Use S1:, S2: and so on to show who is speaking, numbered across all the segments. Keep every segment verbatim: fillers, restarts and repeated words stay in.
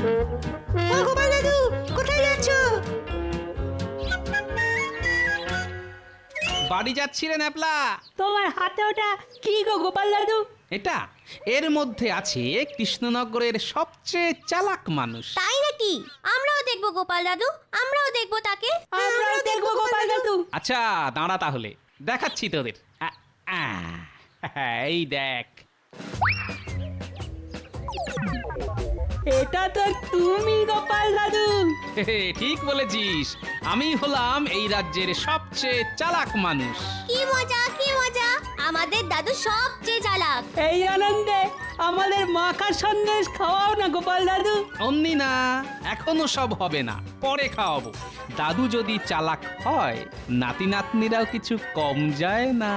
S1: ও গোপাল দাদু, কোথায় যাচ্ছ?
S2: বাড়ি যাচ্ছি রে ন্যাপলা।
S3: তোমার হাতে ওটা কি গো গোপাল দাদু?
S2: এটা এর মধ্যে আছে কৃষ্ণনগরের সবচেয়ে চালাক মানুষ।
S4: তাই নাকি? আমরাও দেখবো গোপাল দাদু, আমরাও দেখবো তাকে।
S3: আমরাও দেখবো গোপাল দাদু।
S2: আচ্ছা দাঁড়া তাহলে, দেখাচ্ছি তোদের। আ, আ, এই দেখ।
S3: এটা তো তুমি গোপাল দাদু।
S2: ঠিক বলেছিস, আমি হলাম এই রাজ্যের সবচেয়ে চালাক মানুষ।
S4: কি মজা, কি মজা! আমাদের দাদু সবচেয়ে চালাক।
S3: এই আনন্দে আমাদের মাখা সন্দেশ খাওয়াও না গোপাল দাদু।
S2: অমনি না, এখনো সব হবে না, পরে খাওয়াবো। দাদু যদি চালাক হয়, নাতি নাতনিরাও কিছু কম যায় না।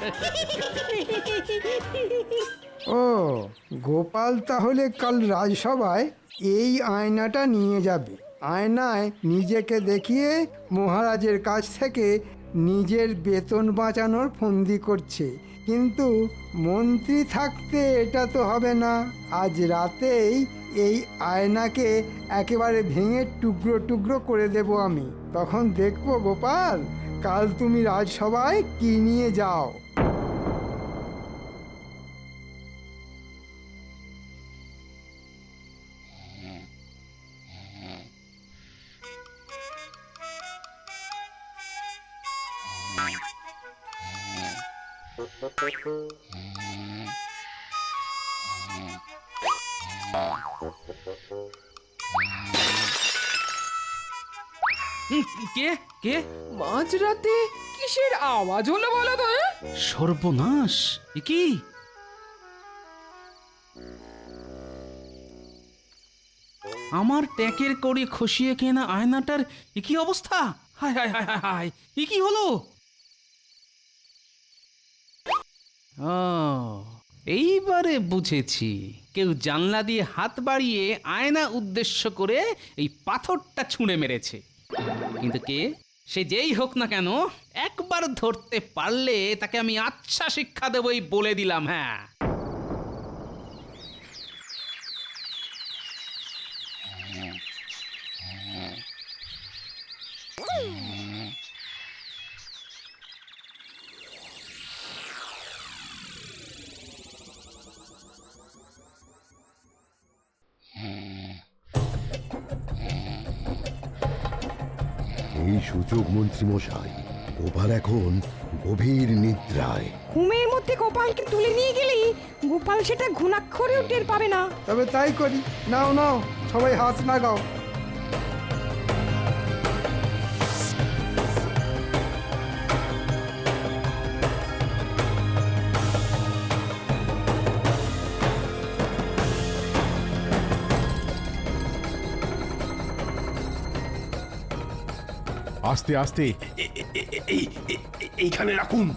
S5: ও গোপাল তাহলে কাল রাজসভায় এই আয়নাটা নিয়ে যাবে। আয়নায় নিজেকে দেখিয়ে মহারাজের কাছ থেকে নিজের বেতন বাঁচানোর ফন্দি করছে। কিন্তু মন্ত্রী থাকতে এটা তো হবে না। আজ রাতেই এই আয়নাকে একেবারে ভেঙে টুকরো টুকরো করে দেব আমি। তখন দেখবো গোপাল, কাল তুমি রাজসভায় কি নিয়ে যাও।
S2: হুম, কে কে?
S6: মাঝরাতে কিসের আওয়াজ হলো বলো তো? হ্যাঁ?
S2: সর্বনাশ! এ কি? আমার ট্যাঁকের কড়ি খসিয়ে কেনা আয়নাটার এ কি অবস্থা? হায় হায় হায় হায় হায়, এ কি হলো? ও, এইবারে বুঝেছি, কেউ জানলা দিয়ে হাত বাড়িয়ে আয়না উদ্দেশ্য করে এই পাথরটা ছুঁড়ে মেরেছে। কিন্তু কে? সে যেই হোক না কেন, একবার ধরতে পারলে তাকে আমি আচ্ছা শিক্ষা দেবই বলে দিলাম। হ্যাঁ,
S7: এই সুযোগ মন্ত্রী মশাই, গোপাল এখন গভীর নিদ্রায়।
S6: ঘুমের মধ্যে গোপালকে তুলে নিয়ে গেলেই গোপাল সেটা ঘুণাক্ষরেও টের পাবে না।
S5: তবে তাই করি। নাও নাও, সবাই হাত লাগাও।
S8: আস্তে আস্তে এইখানে রাখুন।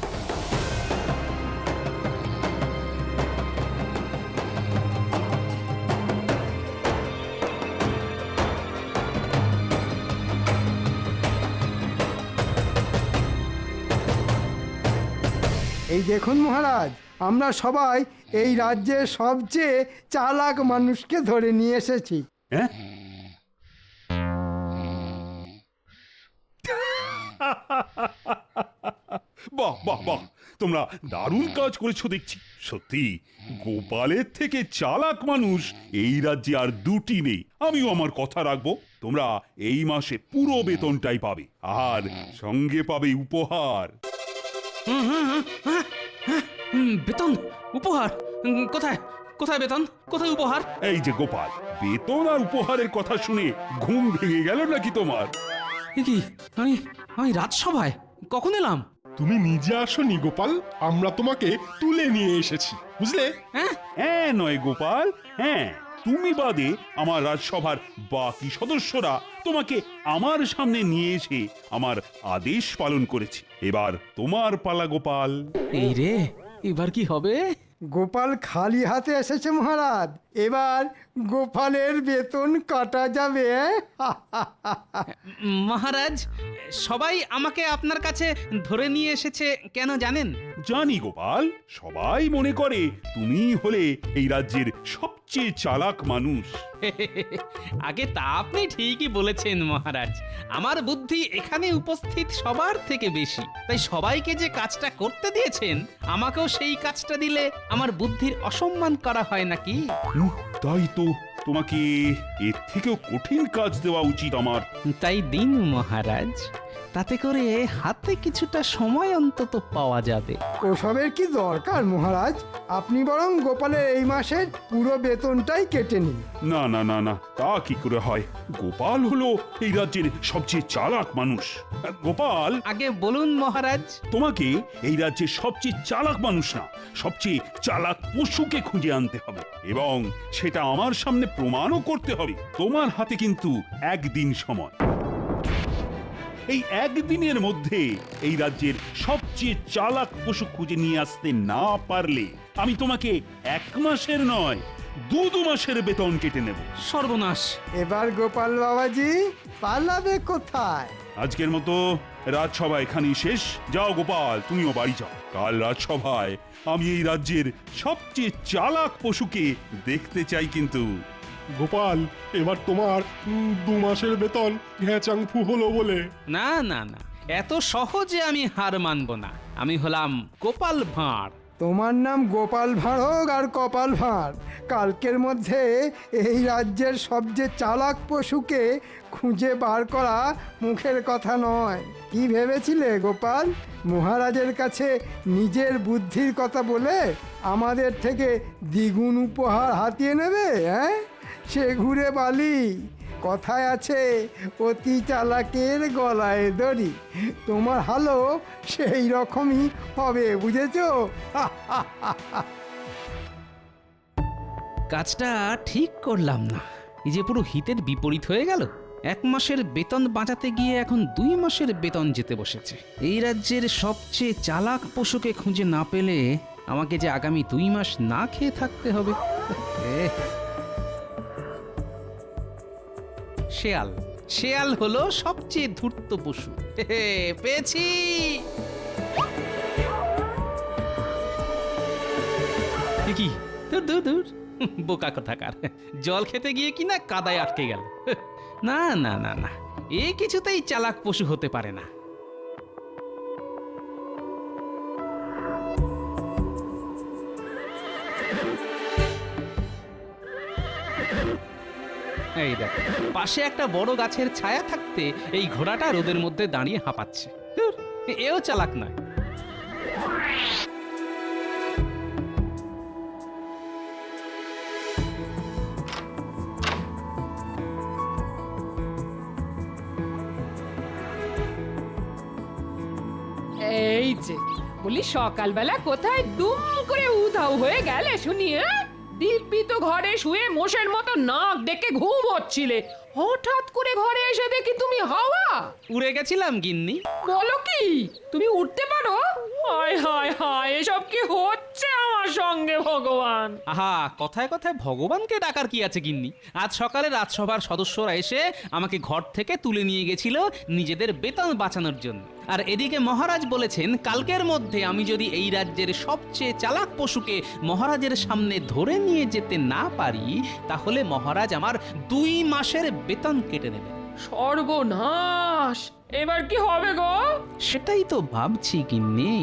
S5: এই দেখুন মহারাজ, আমরা সবাই এই রাজ্যের সবচেয়ে চালাক মানুষকে ধরে নিয়ে এসেছি।
S8: হ্যাঁ, বাহ বাহ বাহ, তোমরা দারুণ কাজ করেছো দেখছি। সত্যি গোপালের থেকে চালাক মানুষ এই রাজ্যে আর দুটি নেই। আমিও আমার কথা রাখবো। তোমরা এই মাসে পুরো বেতনটাই পাবে, আর সঙ্গে পাবে উপহার।
S2: হুম, হুম, হুম, হ্যাঁ, হ্যাঁ, হুম, বেতন, উপহার? হুম, কোথায় কোথায় বেতন, কোথায় উপহার?
S8: এই যে গোপাল, বেতন আর উপহারের কথা শুনে ঘুম ভেঙে গেল নাকি তোমার?
S2: এ কি, আমি আমি রাজসভায় কখন এলাম?
S9: তুমি নিজে আসনি গোপাল, আমরা তোমাকে তুলে নিয়ে এসেছি, বুঝলে?
S2: হ্যাঁ,
S8: হ্যাঁ নয় গোপাল, হ্যাঁ, তুমি বাদে আমার রাজসভার বাকি সদস্যরা তোমাকে আমার সামনে নিয়ে এসে আমার আদেশ পালন করেছে। এবার তোমার পালা গোপাল।
S2: এই রে, এবার কি হবে?
S5: গোপাল খালি হাতে এসেছে মহারাজ, এবার গোপালের বেতন কাটা যাবে।
S2: মহারাজ, সবাই আমাকে আপনার কাছে ধরে নিয়ে এসেছে কেন জানেন?
S8: জানি গোপাল, সবাই মনে করে তুমিই হলে এই রাজ্যের সবচেয়ে চালাক মানুষ।
S2: আগে তা আপনি ঠিকই বলেছেন মহারাজ, আমার বুদ্ধি এখানে উপস্থিত সবার থেকে বেশি, তাই সবাইকে যে কাজটা করতে দিয়েছেন আমাকেও সেই কাজটা দিলে আমার বুদ্ধির অসম্মান করা হয় নাকি?
S8: হুম, তাই তো, তোমাকে এর থেকেও কঠিন কাজ দেওয়া উচিত আমার।
S2: তাই দিন মহারাজ, তাতে করে হাতে কিছুটা সময় অন্তত পাওয়া যাবে।
S5: ওসবের কি দরকার মহারাজ? আপনি বরং গোপালের এই মাসের পুরো বেতনটাই কেটে নিন।
S8: না না না না, তা কি করে হয়? গোপাল হলো এই রাজ্যের সবচেয়ে চালাক মানুষ। গোপাল,
S2: আগে বলুন মহারাজ।
S8: তোমাকে এই রাজ্যের সবচেয়ে চালাক মানুষ না, সবচেয়ে চালাক পশুকে খুঁজে আনতে হবে এবং সেটা আমার সামনে প্রমাণও করতে হবে। তোমার হাতে কিন্তু একদিন সময়। এই একদিনের মধ্যে এই রাজ্যের সবচেয়ে চালাক পশু খুঁজে নিয়ে আসতে না পারলে আমি তোমাকে এক মাসের নয় দু দু মাসের বেতন কেটে নেব।
S2: সর্বনাশ!
S5: এবার গোপাল বাবাজি পালাবে কোথায়?
S8: আজকের মতো রাজসভা এখানেই শেষ। যাও গোপাল, তুমিও বাড়ি যাও। কাল রাজসভায় আমি এই রাজ্যের সবচেয়ে চালাক পশুকে দেখতে চাই কিন্তু।
S9: গোপাল, এবার তোমার উম, দু মাসের বেতন ঘ্যাচাং ফু হলো বলে।
S2: না না না, এত সহজে আমি হার মানব না। আমি হলাম গোপাল ভাঁড়।
S5: তোমার নাম গোপাল ভাঁড় হোক আর কপাল ভাঁড়, কালকের মধ্যে এই রাজ্যের সবচেয়ে চালাক পশুকে খুঁজে বার করা মুখের কথা নয়। কি ভেবেছিলে গোপাল, মহারাজের কাছে নিজের বুদ্ধির কথা বলে আমাদের থেকে দ্বিগুণ উপহার হাতিয়ে নেবে? হ্যাঁ, সে ঘুরে বালি। কথায় আছে, অতি চালাকের গলায় দড়ি। তোমার হালও সেই রকমই হবে, বুঝেছো?
S2: কাজটা ঠিক করলাম না, এই যে পুরো হিতের বিপরীত হয়ে গেল। এক মাসের বেতন বাঁচাতে গিয়ে এখন দুই মাসের বেতন যেতে বসেছে। এই রাজ্যের সবচেয়ে চালাক পশুকে খুঁজে না পেলে আমাকে যে আগামী দুই মাস না খেয়ে থাকতে হবে। এহ। শেয়াল শেয়াল হলো সবচেয়ে ধূর্ত পশু। হে, পেয়েছি। এ কি? দূর দূর দূর, বোকা কোথাকার। জল খেতে গিয়ে কিনা কাদায় আটকে গেল। না না না না, এ কিছুতেই চালাক পশু হতে পারে না। এই দেখ, পাশে একটা বড় গাছের ছায়া থাকতে এই ঘোড়াটা রোদের মধ্যে দাঁড়িয়ে হাঁপাচ্ছে। ধুর, এও চালাক নয়।
S6: এই যে বলি, সকালবেলা কোথায় দুম করে উধাও হয়ে গেলে শুনি? হ্যাঁ, দিব্যি তো ঘরে শুয়ে মোষের মতো নাক ডেকে ঘুম হচ্ছিলে, হঠাৎ করে ঘরে এসে দেখি তুমি হাওয়া।
S2: উড়ে গেছিলাম গিন্নি।
S6: বলো কি, তুমি উঠতে পারো? হায় হায় হায়, এসব কি হচ্ছে আমার সঙ্গে ভগবান?
S2: আহা, কথায় কথায় ভগবানকে ডাকার কি আছে গিন্নি? আজ সকালে রাজসভার সদস্যরা এসে আমাকে ঘর থেকে তুলে নিয়ে গেছিল নিজেদের বেতন বাঁচানোর জন্য। আর এদিকে মহারাজ বলেছেন কালকের মধ্যে আমি যদি এই রাজ্যের সবচেয়ে চালাক পশুকে মহারাজের সামনে ধরে নিয়ে যেতে না পারি তাহলে মহারাজ আমার দুই মাসের বেতন কেটে নেবেন।
S6: সর্বনাশ! এবার কি হবে গো?
S2: সেটাই তো ভাবছি গিন্নি।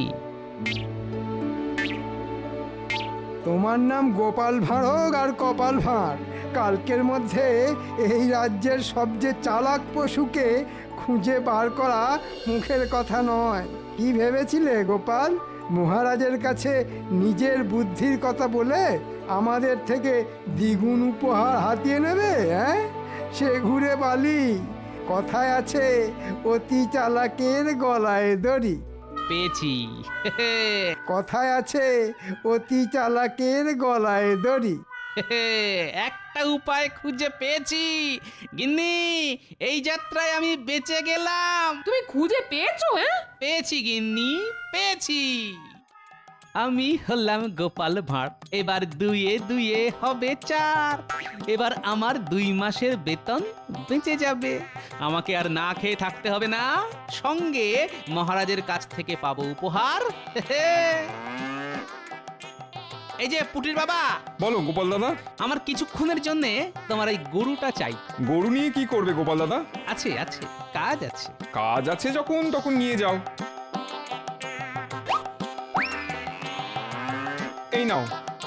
S5: তোমার নাম গোপাল ভাঁড় হোক আর কপাল ভাঁড়, কালকের মধ্যে এই রাজ্যের সবচেয়ে চালাক পশুকে খুঁজে বার করা মুখের কথা নয়। কি ভেবেছিলে গোপাল, মহারাজের কাছে নিজের বুদ্ধির কথা বলে আমাদের থেকে দ্বিগুণ উপহার হাতিয়ে নেবে? হ্যাঁ, সে ঘুরে বালি। কথায় আছে, অতি চালাকের গলায় দড়ি।
S2: পেয়েছি।
S5: কথায় আছে, অতি চালাকের গলায় দড়ি।
S2: একটা উপায় খুঁজে পেয়েছি গিন্নি, এই যাত্রায় আমি বেঁচে গেলাম।
S6: তুমি খুঁজে পেয়েছো? হ্যাঁ,
S2: পেয়েছি গিন্নি, পেয়েছি। আমি হলাম গোপাল ভাঁড়। এবার দুইয়ে দুইয়ে হবে চার। এবার আমার দুই মাসের বেতন বেঁচে যাবে। আমাকে আর না খেয়ে থাকতে হবে না, সঙ্গে মহারাজের কাছ থেকে পাবো উপহার। এই যে পুটির বাবা,
S10: বলো গোপাল দাদা।
S2: আমার কিছুক্ষণের জন্য তোমার এই গরুটা চাই।
S10: গরু নিয়ে কি করবে গোপাল দাদা?
S2: আছে আছে, কাজ আছে।
S10: কাজ আছে যখন তখন নিয়ে যাও। এই নাও।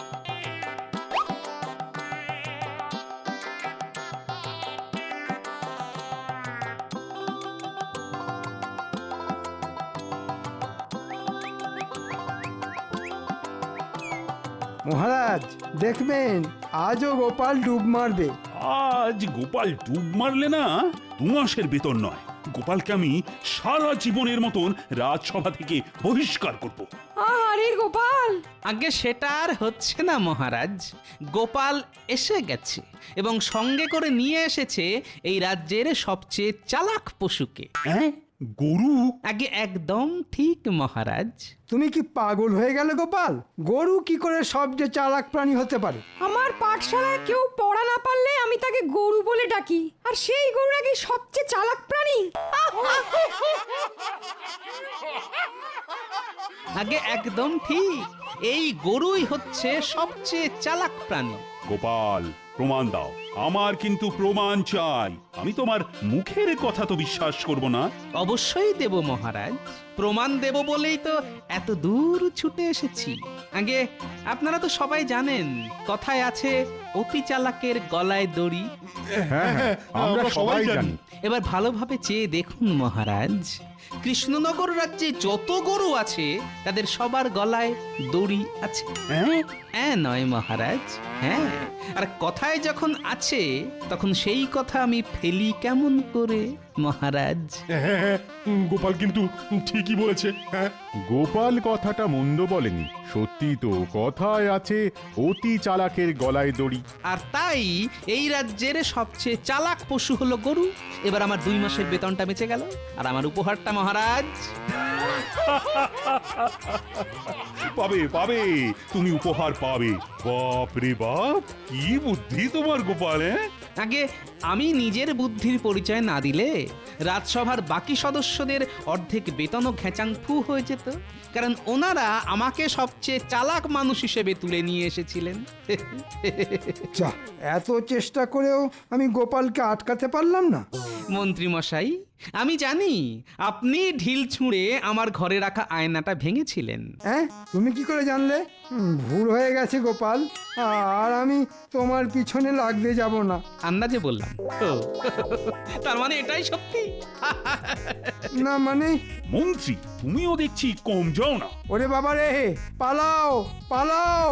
S5: মহারাজ দেখবেন আজও গোপাল ডুব মারবে।
S8: আজ গোপাল ডুব মারলে না দু মাসের বেতন নয়, গোপালকে আমি সারা জীবনের মতন রাজসভা থেকে বহিষ্কার করব।
S6: আরে গোপাল,
S2: আগে সেটা আর হচ্ছে না মহারাজ। গোপাল এসে গেছে এবং সঙ্গে করে নিয়ে এসেছে এই রাজ্যের সবচেয়ে চালাক পশুকে।
S8: হ্যাঁ, গরু?
S2: আগে একদম ঠিক মহারাজ।
S5: তুমি কি পাগল হয়ে গেলে গোপাল? গরু কি করে সবচেয়ে চালাক প্রাণী হতে পারে?
S11: আমার পাঠশালায় কেউ পড়া না পারলে আমি তাকে গরু বলে ডাকি, আর সেই গরু নাকি সবচেয়ে চালাক প্রাণী।
S2: আগে একদম ঠিক, এই গরুই হচ্ছে সবচেয়ে চালাক প্রাণী।
S8: গোপাল, প্রমাণ দাও। আমার কিন্তু প্রমাণ চাই। আমি তোমার মুখের কথা তো বিশ্বাস করব না।
S2: অবশ্যই দেব মহারাজ, প্রমাণ দেব বলেই তো এত দূর ছুটে এসেছি। আগে আপনারা তো সবাই জানেন, কথায় আছে অতি চালাকের গলায় দড়ি।
S9: হ্যাঁ হ্যাঁ, আমরা সবাই জানি।
S2: এবার ভালোভাবে চেয়ে দেখুন মহারাজ, কৃষ্ণনগর রাজ্যে যত গরু আছে তাদের সবার গলায় দড়ি আছে।
S8: হ্যাঁ?
S2: হ্যাঁ নয় মহারাজ, হ্যাঁ। আর কথায় যখন আছে তখন সেই কথা আমি ফেলি কেমন করে মহারাজ?
S9: হ্যাঁ হ্যাঁ, গোপাল কিন্তু ঠিকই বলেছে। হ্যাঁ,
S12: গোপাল কথাটা মন্দ বলেনি, সত্যি তো কথায় আছে অতি চালাকের গলায় দড়ি।
S2: আর তাই এই রাজ্যের সবচেয়ে চালাক পশু হলো গরু। এবার আমার দুই মাসের বেতনটা বেঁচে গেল, আর আমার উপহারটা মহারাজ।
S8: পাবে পাবে, তুমি উপহার পাবে। বাপ রে বাপ, কি বুদ্ধি তোমার গোপাল! হ্যাঁ,
S2: আগে আমি নিজের বুদ্ধির পরিচয় না দিলে রাজসভার বাকি সদস্যদের অর্ধেক বেতনও ঘেঁচাং ফু হয়ে যেত, কারণ ওনারা আমাকে সবচেয়ে চালাক মানুষ হিসেবে তুলে নিয়ে এসেছিলেন।
S5: যা, এত চেষ্টা করেও আমি গোপালকে আটকাতে পারলাম না।
S2: মন্ত্রী মশাই, আমি জানি আপনি ঢিল ছুঁড়ে আমার ঘরে রাখা আয়নাটা ভেঙেছিলেন।
S5: হ্যাঁ, তুমি কি করে জানলে? হুম, ভুল হয়ে গেছে গোপাল, আর আমি তোমার পিছনে লাগতে যাব না।
S2: আন্দাজে বললাম। ও, তার মানে এটাই সত্যি?
S5: না মানে?
S8: মন্ত্রী, তুমিও দেখছি কম যাও না।
S5: ওরে বাবা রে, পালাও পালাও!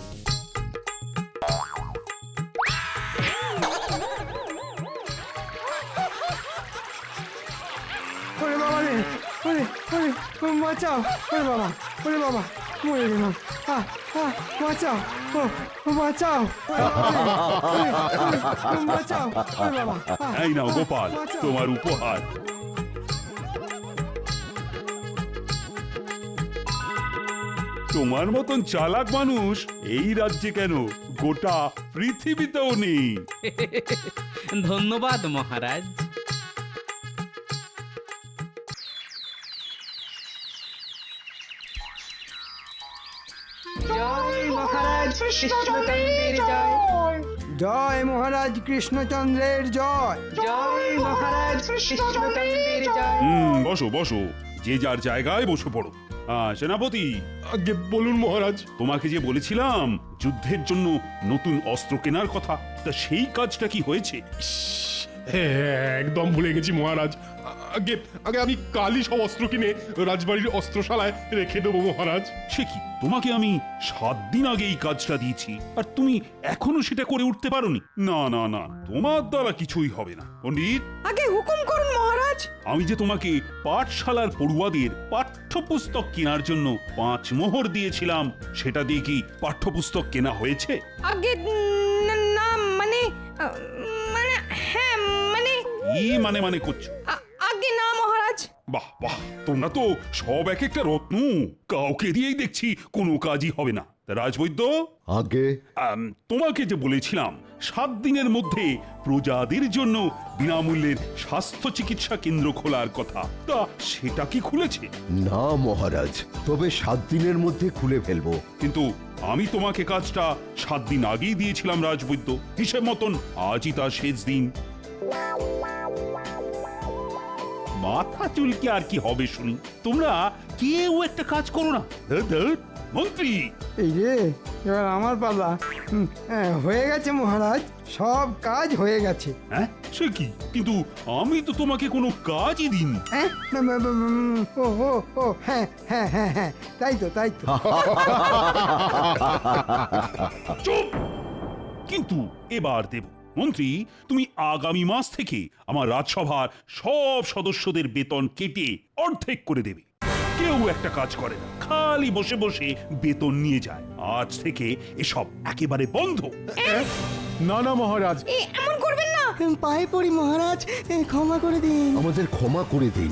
S5: ওরে বাবা রে, ওরে ওরে, বাঁচাও! ওরে বাবা, ওরে বাবা, মরে গেলাম। আহ আহ, বাঁচাও! ও ও, বাঁচাও! ওরে, ওরে, ওরে, ওরে, বাঁচাও! ওরে বাবা! আহ,
S8: এই নাও গোপাল,
S5: বাঁচাও!
S8: তোমার উপহার। তোমার মতন চালাক মানুষ এই রাজ্যে কেন, গোটা পৃথিবীতেও নেই।
S2: ধন্যবাদ মহারাজ।
S3: জয় মহারাজ কৃষ্ণচন্দ্রের জয়,
S5: জয় মহারাজ কৃষ্ণচন্দ্রের জয়।
S3: জয় মহারাজ কৃষ্ণচন্দ্রের জয়।
S8: হুম, বসো বসো, যে যার জায়গায় বসে পড়ো। আহ, সেনাপতি,
S9: আগে বলুন মহারাজ।
S8: তোমাকে যে বলেছিলাম যুদ্ধের জন্য নতুন অস্ত্র কেনার কথা, তা সেই কাজটা কি হয়েছে?
S9: হ্যাঁ, একদম ভুলে গেছি মহারাজ। আগে আগে আমি কালই সব অস্ত্র কিনে রাজবাড়ির অস্ত্রশালায় রেখে দেবো মহারাজ।
S8: সে কি, তোমাকে আমি সাত দিন আগে এই কাজটা দিয়েছি, আর তুমি এখনো সেটা করে উঠতে পারোনি? না না না, তোমার দ্বারা কিছুই হবে না। পণ্ডিত,
S11: আগে হুকুম করুন মহারাজ।
S8: আমি যে তোমাকে পাঠশালার পড়ুয়াদের পাঠ্যপুস্তক কেনার জন্য পাঁচ মোহর দিয়েছিলাম, সেটা দিয়ে কি পাঠ্যপুস্তক কেনা হয়েছে?
S11: আগে না, মানে মানে হ্যাঁ, মানে
S8: কি মানে মানে করছো?
S11: আগে না মহারাজ।
S8: বাহ বাহ তোমরা তো সব এক একটা রত্ন, কাউকে দিয়েই দেখছি কোনো কাজই হবে না। তা রাজবৈদ্য,
S7: আগে
S8: আম, তোমাকে যে বলেছিলাম সাত দিনের মধ্যে প্রজাদের জন্য বিনামূল্যের স্বাস্থ্য চিকিৎসা কেন্দ্র খোলার কথা, তা সেটা কি খুলেছে?
S7: না মহারাজ, তবে সাত দিনের মধ্যে খুলে ফেলবো।
S8: কিন্তু আমি তোমাকে কাজটা সাত দিন আগেই দিয়েছিলাম রাজবৈদ্য, হিসেব মতন আজই তার শেষ দিন। মাথা চুলকে আর কি হবে শুনি, তোমরা কেউ একটা কাজ করো না। ধুর, ধুর, মন্ত্রী
S5: এই রে, এবার আমার পালা। হুম, হ্যাঁ, হয়ে গেছে মহারাজ, সব কাজ হয়ে গেছে।
S8: হ্যাঁ সে কি, কিন্তু আমি তো তোমাকে কোনো কাজই দিইনি।
S5: হ্যাঁ, উম, উম, উম, ও ও ও হ্যাঁ হ্যাঁ হ্যাঁ হ্যাঁ তাই তো তাই তো
S8: চুপ! কিন্তু এবার দেব। মন্ত্রী, তুমি আগামী মাস থেকে আমার রাজসভার সব সদস্যদের বেতন কেটে অর্ধেক করে দেবে। কেউ একটা কাজ করে না, খালি বসে বসে বেতন নিয়ে যায়। আজ থেকে এসব একেবারে বন্ধ।
S12: না না মহারাজ,
S11: এ, এমন করবেন না।
S1: পায়ে পড়ি মহারাজ, এ, ক্ষমা করে দিন।
S7: আমাদের ক্ষমা করে দিন।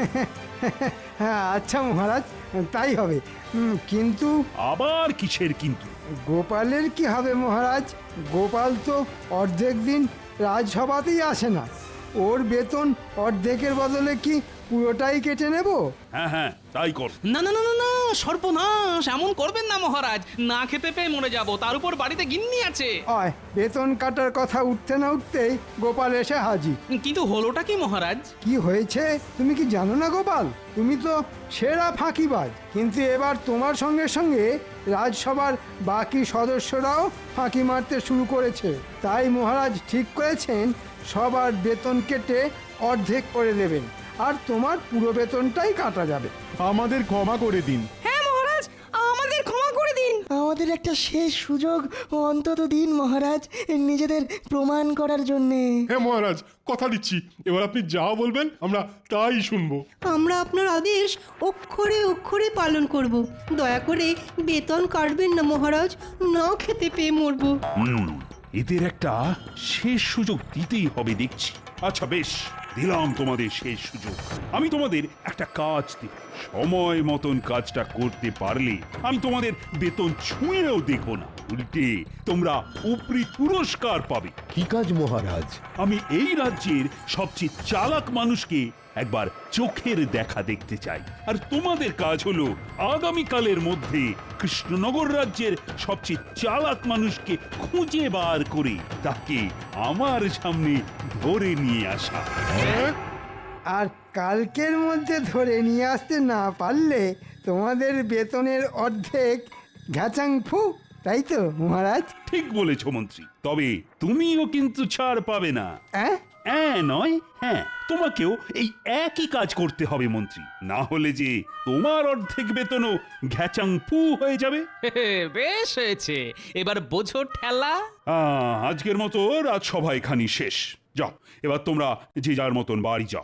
S5: হ্যাঁ আচ্ছা মহারাজ, তাই হবে। উম, কিন্তু
S8: আবার কিসের কিন্তু?
S5: গোপালের কি হবে মহারাজ? গোপাল তো অর্ধেক দিন রাজসভাতেই আসে না। ওর বেতন অর্ধেকের বদলে কি পুরোটাই কেটে নেব?
S8: হ্যাঁ হ্যাঁ তাই কর।
S2: না না না না না, সর্বনাশ, এমন করবেন না মহারাজ, না খেতে পেয়ে মরে যাব, তার উপর বাড়িতে গিন্নি আছে।
S5: অয়, বেতন কাটার কথা উঠতে না উঠতেই গোপাল এসে হাজির।
S2: কিন্তু হলোটা কি মহারাজ?
S5: কি হয়েছে তুমি কি জানো না গোপাল? তুমি তো সেরা ফাঁকিবাজ, কিন্তু এবার তোমার সঙ্গে সঙ্গে রাজসভার বাকি সদস্যরাও ফাঁকি মারতে শুরু করেছে। তাই মহারাজ ঠিক করেছেন সবার বেতন কেটে অর্ধেক করে দেবেন, আর তোমার পুরো বেতনটাই কাটা যাবে।
S12: আমাদের ক্ষমা করে দিন।
S11: হ্যাঁ মহারাজ, আমাদের ক্ষমা করে দিন।
S1: আমাদের একটা শেষ সুযোগ অন্তত দিন মহারাজ, নিজেদের প্রমাণ করার জন্যে।
S9: হ্যাঁ মহারাজ, কথা দিচ্ছি এবার আপনি যা বলবেন আমরা তাই শুনবো।
S1: আমরা আপনার আদেশ অক্ষরে অক্ষরে পালন করব। দয়া করে বেতন কাটবেন না মহারাজ, না খেতে পেয়ে মরবো।
S8: হুম, এদের একটা শেষ সুযোগ দিতেই হবে দেখছি। আচ্ছা বেশ, দিলাম তোমাদের শেষ সুযোগ। আমি তোমাদের একটা কাজ দেব, সময় মতন কাজটা করতে পারলে আমি তোমাদের বেতন ছুঁয়েও দেখো না, উল্টে তোমরা উপরি পুরস্কার পাবে।
S7: কি কাজ মহারাজ?
S8: আমি এই রাজ্যের সবচেয়ে চালাক মানুষকে একবার চোখের দেখা দেখতে চাই, আর তোমাদের কাজ হলো আগামীকালের মধ্যে কৃষ্ণনগর রাজ্যের সবচেয়ে চালাক মানুষকে খুঁজে বার করে তাকে আমার সামনে ধরে নিয়ে আসা।
S5: আর কালকের মধ্যে ধরে নিয়ে আসতে না পারলে তোমাদের বেতনের অর্ধেক ঘ্যাচাং ফু, তাই তো মহারাজ?
S8: ঠিক বলেছ মন্ত্রী, তবে তুমিও কিন্তু ছাড় পাবে না।
S5: হ্যাঁ
S8: হ্যাঁ নয় হ্যাঁ, তোমাকেও এই একই কাজ করতে হবে মন্ত্রী, না হলে যে তোমার অর্ধেক বেতনও ঘ্যাচাং ফু হয়ে যাবে।
S2: বেশ হয়েছে, এবার বোঝো ঠেলা।
S8: আহ, আজকের মতো রাজসভা এখানি শেষ। যাও এবার তোমরা যে যার মতন বাড়ি যাও।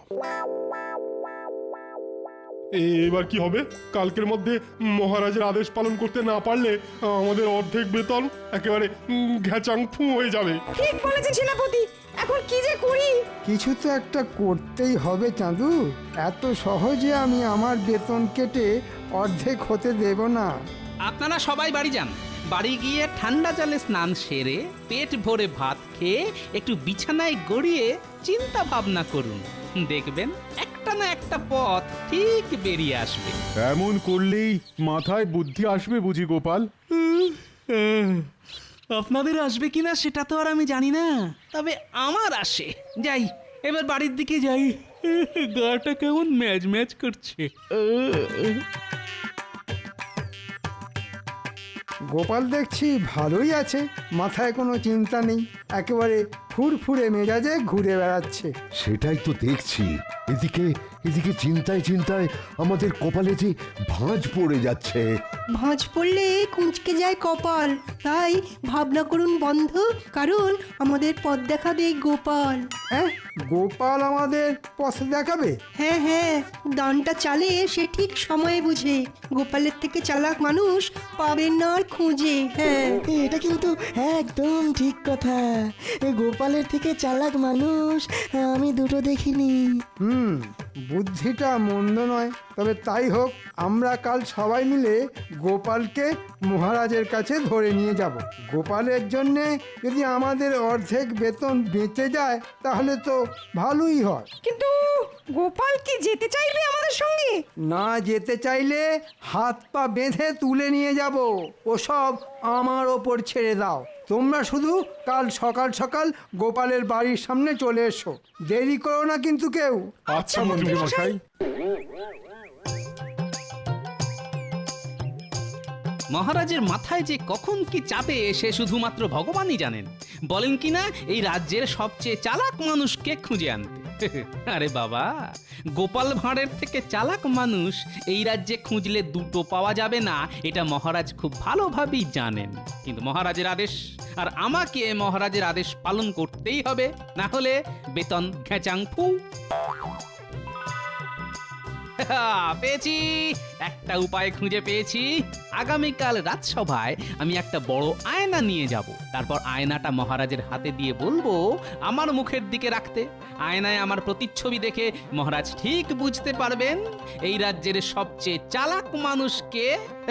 S9: এ- এবার কি হবে? কালকের মধ্যে মহারাজের আদেশ পালন করতে না পারলে আমাদের অর্ধেক বেতন একেবারে উম, ঘ্যাচাং ফু হয়ে যাবে।
S11: ঠিক বলেছেন সেনাপতি, এখন কি যে করি।
S5: কিছু তো একটা করতেই হবে চাঁদু, এত সহজে আমি আমার বেতন কেটে অর্ধেক হতে দেব না।
S2: আপনারা সবাই বাড়ি যান, বাড়ি গিয়ে ঠান্ডা জলে স্নান সেরে পেট ভরে ভাত খেয়ে একটু বিছানায় গড়িয়ে চিন্তা ভাবনা করুন, দেখবেন একটা না একটা পথ ঠিক বেরিয়ে আসবে।
S12: এমন করলেই মাথায় বুদ্ধি আসবে বুঝি গোপাল?
S2: আপনাদের আসবে কিনা সেটা তো আর আমি জানি না, তবে আমার আসে। যাই, এবার বাড়ির দিকে যাই, গাটা কেমন ম্যাজ ম্যাজ করছে।
S5: গোপাল দেখছি ভালোই আছে, মাথায় কোনো চিন্তা নেই, একেবারে ফুরফুরে মেজাজে ঘুরে বেড়াচ্ছে।
S7: সেটাই তো দেখছি। এদিকে এদিকে চিন্তায় চিন্তায় আমাদের কপালে যে ভাঁজ পড়ে যাচ্ছে।
S1: ভাঁজ পড়লে কুঁচকে যায় কপাল, তাই ভাবনা করুন বন্ধ, কারণ আমাদের পথ দেখাবে এই গোপাল।
S5: হ্যাঁ, গোপাল আমাদের পথ দেখাবে?
S1: হ্যাঁ হ্যাঁ, দানটা চালে সে ঠিক সময়ে বুঝে, গোপালের থেকে চালাক মানুষ পাবেন না আর খুঁজে। হ্যাঁ, এটা কিন্তু একদম ঠিক কথা, গোপালের থেকে চালাক মানুষ আমি দুটো দেখিনি।
S5: হুম, বুদ্ধিটা মন্দ নয়। তবে তাই হোক, আমরা কাল সবাই মিলে গোপালকে মহারাজের কাছে ধরে নিয়ে যাব। গোপালের জন্যে যদি আমাদের অর্ধেক বেতন বেঁচে যায় তাহলে তো ভালোই হয়।
S11: কিন্তু গোপাল কি যেতে চাইবে আমাদের সঙ্গে?
S5: না যেতে চাইলে হাত পা বেঁধে তুলে নিয়ে যাব। ওসব আমার ওপর ছেড়ে দাও। তোমরা শুধু কাল সকাল সকাল গোপালের বাড়ির সামনে চলে এসো। দেরি করো না কিন্তু কেউ।
S12: আচ্ছা মন্ত্রী মশাই।
S2: মহারাজের মাথায় যে কখন কি চাপে সে শুধুমাত্র ভগবানই জানেন। বলেন কি না এই রাজ্যের সবচেয়ে চালাক মানুষকে খুঁজে আনতে। আরে বাবা, গোপাল ভাঁড়ের থেকে চালাক মানুষ এই রাজ্যে খুঁজলে দুটো পাওয়া যাবে না, এটা মহারাজ খুব ভালোভাবেই জানেন। কিন্তু মহারাজের আদেশ, আর আমাকে মহারাজের আদেশ পালন করতেই হবে, না হলে বেতন ঘেঁচাং ফু। পেয়েছি, একটা উপায় খুঁজে পেয়েছি। আগামীকাল রাজসভায় আমি একটা বড় আয়না নিয়ে যাব। তারপর আয়নাটা মহারাজের হাতে দিয়ে বলবো আমার মুখের দিকে রাখতে। আয়নায় আমার প্রতিচ্ছবি দেখে মহারাজ ঠিক বুঝতে পারবেন এই রাজ্যের সবচেয়ে চালাক মানুষকে।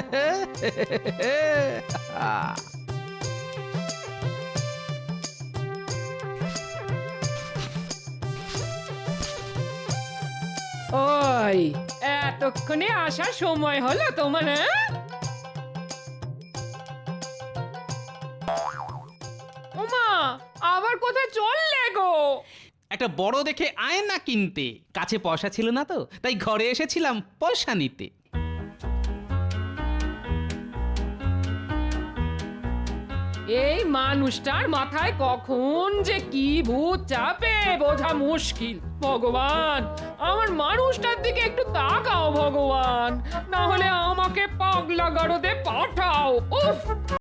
S6: ওই এতক্ষণে আসার সময় হলো তোমার? হ্যাঁ? ওমা, আবার কোথায় চললে গো?
S2: একটা বড় দেখে আয়না কিনতে। কাছে পয়সা ছিল না তো, তাই ঘরে এসেছিলাম পয়সা নিতে।
S6: এই মানুষটার মাথায় কখন যে কি ভূত চাপে বোঝা মুশকিল। ভগবান, আমার মানুষটার দিকে একটু তাকাও ভগবান, না হলে আমাকে পাগলা গারদে পাঠাও। উফ।